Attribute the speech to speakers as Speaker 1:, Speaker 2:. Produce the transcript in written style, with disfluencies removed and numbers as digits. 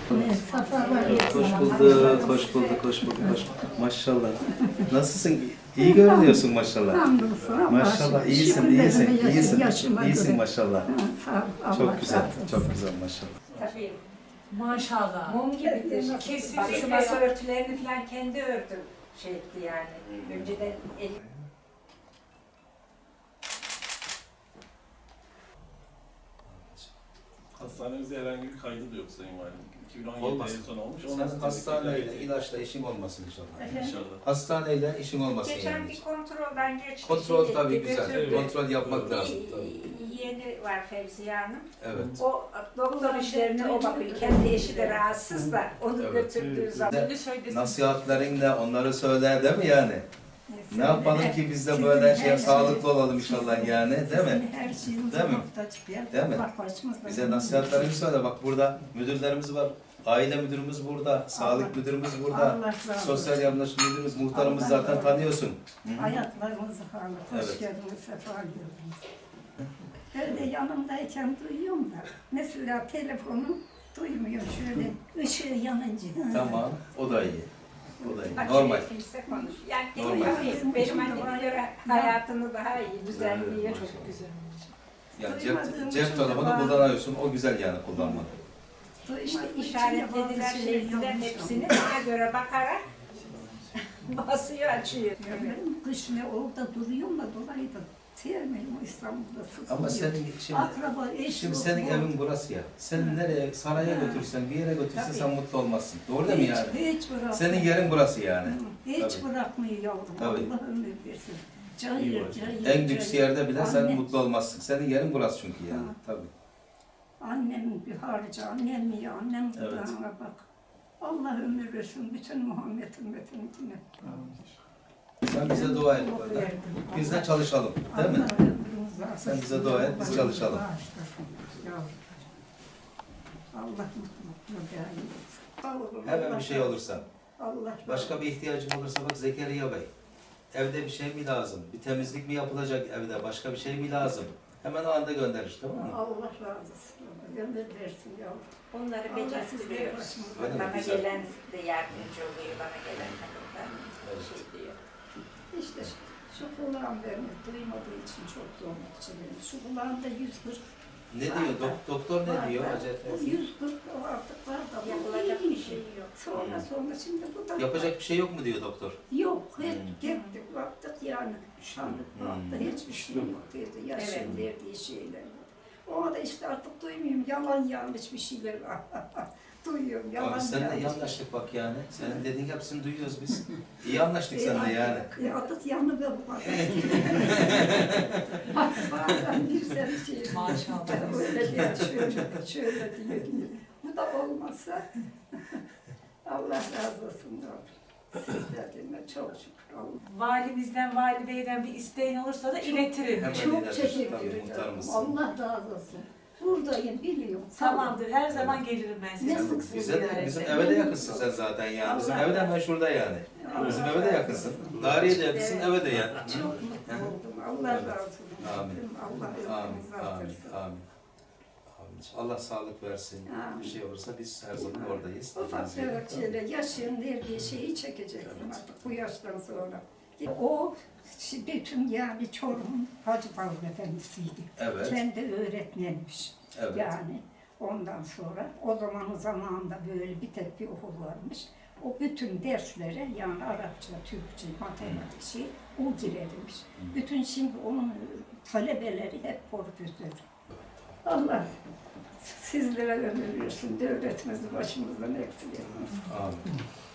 Speaker 1: Hoş bulduk, hoş bulduk, hoş bulduk, hoş bulduk. Maşallah. Nasılsın? İyi görünüyorsun maşallah. Maşallah, iyisin, iyisin, iyisin, iyisin maşallah. Çok güzel, çok güzel maşallah.
Speaker 2: Tabii. Maşallah. Mum gibidir. Kesin.
Speaker 3: Bak şu masa örtülerini falan kendi ördüm şey etti yani. Önceden el...
Speaker 4: Hastanemizde herhangi bir kaydı da yok Sayın Valim. 2017
Speaker 1: Olmasın.
Speaker 4: en son olmuş.
Speaker 1: Senin hastaneyle, ilaçla işin olmasın inşallah.
Speaker 4: İnşallah.
Speaker 1: Hastaneyle işin olmasın
Speaker 3: Geçen
Speaker 1: yani.
Speaker 3: bir kontrolden geçti.
Speaker 1: Kontrol
Speaker 3: şey
Speaker 1: tabii
Speaker 3: etti,
Speaker 1: güzel.
Speaker 3: götürdü.
Speaker 1: Kontrol yapmak lazım
Speaker 3: Bir
Speaker 1: tabii.
Speaker 3: yeğeni var Fevziye Hanım.
Speaker 1: Evet.
Speaker 3: O doktor işlerine o bakıyor. Kendi eşi de rahatsız da onu
Speaker 1: Evet.
Speaker 3: götürdüğü zaman.
Speaker 1: Nasihatlerinle onları söyler değil mi yani? Ne yapalım ki biz de böyle sağlıklı olalım inşallah yani, değil mi?
Speaker 5: Her şeyimize
Speaker 1: Değil mi?
Speaker 5: muhtaç bir yer.
Speaker 1: Değil mi?
Speaker 5: Allah başımızda.
Speaker 1: Bize nasihatlerini söyle. Bak burada müdürlerimiz var. Aile müdürümüz burada, sağlık müdürümüz burada,
Speaker 5: Allah razı olsun.
Speaker 1: sosyal yardımcı müdürümüz, muhtarımız
Speaker 5: Allah
Speaker 1: zaten
Speaker 5: razı olsun.
Speaker 1: tanıyorsun.
Speaker 5: Hayatlarınızı sağlık. Hoş
Speaker 1: Evet.
Speaker 5: geldiniz, sefa geldiniz. Ben de yanımdayken duyuyorum da. Mesela telefonu duymuyorum şöyle. Işığı yanınca.
Speaker 1: Tamam, o da iyi. O da iyi.
Speaker 3: Bak,
Speaker 1: Normal.
Speaker 3: kimse konuş. Yani
Speaker 1: Normal.
Speaker 3: benim anneme göre hayatını daha iyi düzenliyor.
Speaker 1: Evet,
Speaker 3: Çok güzel.
Speaker 1: Yani cep telefonu kullanıyorsun, o güzel yani kullanmak.
Speaker 3: İşte işaretlediler şeydiler hepsini ona göre bakarak basıyor açıyor.
Speaker 5: Kış ne orada duruyorum da dolayı da sevmiyorum İstanbul'da sıkılıyor.
Speaker 1: Ama senin şimdi,
Speaker 5: Akraba, eş
Speaker 1: şimdi
Speaker 5: yok,
Speaker 1: senin
Speaker 5: bu.
Speaker 1: evin burası ya. Sen nereye, saraya götürsen, bir yere götürsen
Speaker 3: Tabii.
Speaker 1: sen mutlu olmazsın. Doğru değil mi yani?
Speaker 5: Hiç bırakmıyor.
Speaker 1: Senin yerin burası yani.
Speaker 5: Hiç
Speaker 1: Tabii.
Speaker 5: bırakmıyor yavrum.
Speaker 1: Tabii.
Speaker 5: Allah ömür versin. Cayır, cayır,
Speaker 1: En lüks
Speaker 5: cayır.
Speaker 1: yerde bile sen
Speaker 5: Anne-
Speaker 1: mutlu olmazsın. Senin yerin burası çünkü yani.
Speaker 5: Ha.
Speaker 1: Tabii.
Speaker 5: Annemin bir harcı, annem iyi, annem
Speaker 1: Evet.
Speaker 5: kulağına bak. Allah ömür versin bütün Muhammed ümmetine.
Speaker 1: Sen bize dua et burada. Biz de çalışalım. Değil mi?
Speaker 5: Allah ömrünüzü versin.
Speaker 1: Sen bize dua et, biz
Speaker 5: Allah
Speaker 1: çalışalım.
Speaker 5: bağışlasın yavrum. Allah mutlulukla daim etsin. Sağ olun,
Speaker 1: Hemen
Speaker 5: Allah
Speaker 1: bir şey
Speaker 5: razı
Speaker 1: olursa.
Speaker 5: olsun. Allah
Speaker 1: Başka bir ihtiyacın olursa bak Zekeriya Bey. Evde bir şey mi lazım? Bir temizlik mi yapılacak evde? Başka bir şey mi lazım? Hemen o anda gönderir, tamam mı?
Speaker 5: Allah razı olsun. Ömür versin yavrum.
Speaker 3: Onları
Speaker 5: Allah sizleri
Speaker 3: beceriyoruz.
Speaker 5: başımıza
Speaker 1: Öyle mi?
Speaker 3: Bana
Speaker 1: Güzel.
Speaker 3: gelen de yardımcı oluyor, bana gelen kadınlar şey diyor.
Speaker 5: İşte şu kulağım beni duymadığı için çok zorluk çekiyorum. Şu kulağımda 140.
Speaker 1: Ne diyor? Doktor ne diyor? Acayip.
Speaker 5: Bu 140 o artık var da. bu
Speaker 3: Yapılacak
Speaker 5: iyi
Speaker 3: bir şey yok.
Speaker 5: Sonra şimdi bu da
Speaker 1: Yapacak bir şey yok mu diyor doktor?
Speaker 5: yok. Hep
Speaker 1: Hmm.
Speaker 5: gittik baktık yani. Sandık baktık hiçbir şey yok dedi. Yaşın
Speaker 3: Evet.
Speaker 5: verdiği şeyler. Ona da işte artık duymuyorum. Yalan yanlış bir şeyler var. Duyuyorum yalan
Speaker 1: Abi seninle iyi
Speaker 5: yanlış.
Speaker 1: anlaştık bak yani. Senin dediğin hepsini duyuyoruz biz. İyi anlaştık seninle yani.
Speaker 5: Atıt yanı ve bu bazen bir seni şey.
Speaker 2: Maşallah.
Speaker 5: Öyle diyor, şöyle diyor. Bu da olmazsa Allah razı olsun yavrum. Sizlerden çok şükür Allah.
Speaker 2: Valimizden, valideyden bir isteğin olursa da iletirim.
Speaker 1: Hemen
Speaker 5: Çok
Speaker 1: ileride,
Speaker 5: teşekkür
Speaker 1: tabii,
Speaker 5: ederim.
Speaker 1: muhtarımız.
Speaker 5: Allah razı olsun. Buradayım biliyorum.
Speaker 2: Tamamdır. Her zaman gelirim ben size.
Speaker 5: Ne
Speaker 2: Sık sık
Speaker 1: Bize de,
Speaker 2: ziyarete.
Speaker 1: bizim eve de yakınsın sen zaten yani. Bizim
Speaker 5: Allah
Speaker 1: eve de hemen
Speaker 5: razı
Speaker 1: şurada yani.
Speaker 5: Allah
Speaker 1: Bizim eve de
Speaker 5: razı
Speaker 1: yakınsın.
Speaker 5: olsun.
Speaker 1: Dariye de yakınsın,
Speaker 5: Evet.
Speaker 1: eve de yani.
Speaker 5: Çok mutlu oldum. Allah razı olsun.
Speaker 1: Amin.
Speaker 5: Allah
Speaker 1: Amin,
Speaker 5: ömrünüzü
Speaker 1: amin,
Speaker 5: artırsın.
Speaker 1: amin. Amin. Allah sağlık versin.
Speaker 5: Amin.
Speaker 1: Bir şey olursa biz her zaman oradayız.
Speaker 5: Ufak tefek şeyler, yaşın verdiği şeyi çekeceksin artık bu yaştan sonra. O bütün yani Çorum'un Hacı Bağır Efendisi'ydi.
Speaker 1: Evet,
Speaker 5: Kendi öğretmenmiş.
Speaker 1: evet.
Speaker 5: Yani ondan sonra o zamanın zamanında böyle bir tek bir okul varmış. O bütün derslere yani Arapça, Türkçe, matematik şey o girermiş. Bütün şimdi onun talebeleri hep profesör. Allah sizlere ömür versin, devletimizi başımızdan eksik etmesin.
Speaker 1: Amin.